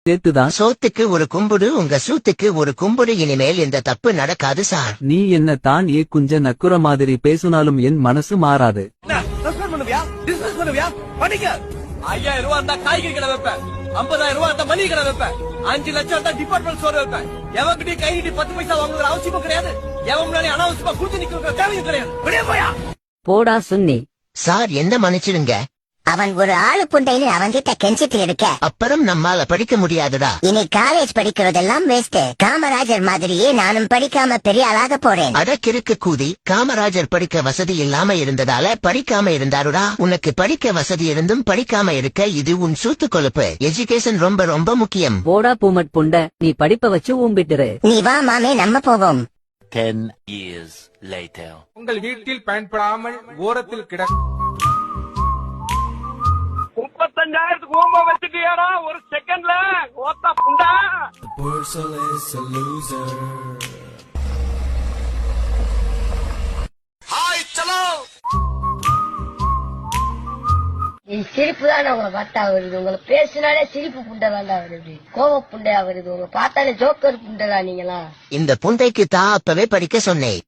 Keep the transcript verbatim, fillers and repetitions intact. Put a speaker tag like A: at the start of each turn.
A: சேர்த்துதான்.
B: சோத்துக்கு ஒரு கும்புடு உங்க சூத்துக்கு ஒரு கும்புடு. இனிமேல் இந்த தப்பு நடக்காது சார்.
A: நீ என்ன தான் ஏ குஞ்ச நக்குற மாதிரி பேசுனாலும் என் மனசு மாறாது.
C: ஐயாயிரம் ரூபாய் இருந்தா காய்கறி கடை வைப்பேன், ஐம்பதாயிரம் ரூபாய் இருந்தா மளிகை கடை வைப்பேன், அஞ்சு லட்சம் இருந்தா டிபார்ட்மெண்ட் ஸ்டோர் வைப்பேன். எவன்கிட்டயும் கை நீட்டி பத்து பைசா வாங்குற அவசியமும் கிடையாது. எவன் முன்னாடி அனாவசியமா குடிச்சு நிக்கிற தேவையும் கிடையாது. வெளியே போயா
D: போடா சுன்னி.
B: சார் என்ன மன்னிச்சிடுங்க.
E: அவன் ஒரு ஆளு புண்டைன்னு அவன்கிட்ட கெஞ்சிட்டு இருக்க.
B: அப்புறம் நம்மால படிக்க முடியாதுடா.
E: இனி காலேஜ் படிக்கிறதெல்லாம் வேஸ்ட். காமராஜர் மாதிரியே நானும் படிக்காம பெரிய ஆளாக போறேன்.
B: அட கிறுக்கு கூதி. காமராஜர் படிக்க வசதி இல்லாம இருந்ததால படிக்காம இருந்தாருடா. உனக்கு படிக்க வசதி இருந்தும் படிக்காம இருக்க இது உன் சூத்து கொழுப்பு. எஜுகேஷன் ரொம்ப ரொம்ப முக்கியம்.
D: போடா பூமட் புண்ட, நீ படிப்ப வச்சு ஊம்பிட்டுரு.
E: நீ வா மாமே, நம்ம போவோம்.
F: Ten years later.
G: உங்கள் வீட்டில் பயன்படாமல் ஓரத்தில் கிட
C: முப்பத்தஞ்சாயிரத்துக்கு ஓம்ப வச்சுட்டியாடா ஒரு செகண்ட்ல ஓத்தா புண்டா. ஹாய் சலோ.
H: சிரிப்பு தான் உங்களை பார்த்தா வருது. உங்களை பேசினாலே சிரிப்பு புண்டை தாண்டா வருது, கோவ புண்டையா வருது. உங்களை பார்த்தாலே ஜோக்கர் புண்டை தான் நீங்களா.
B: இந்த புண்டைக்கு தான் அப்பவே படிக்க சொன்னேன்.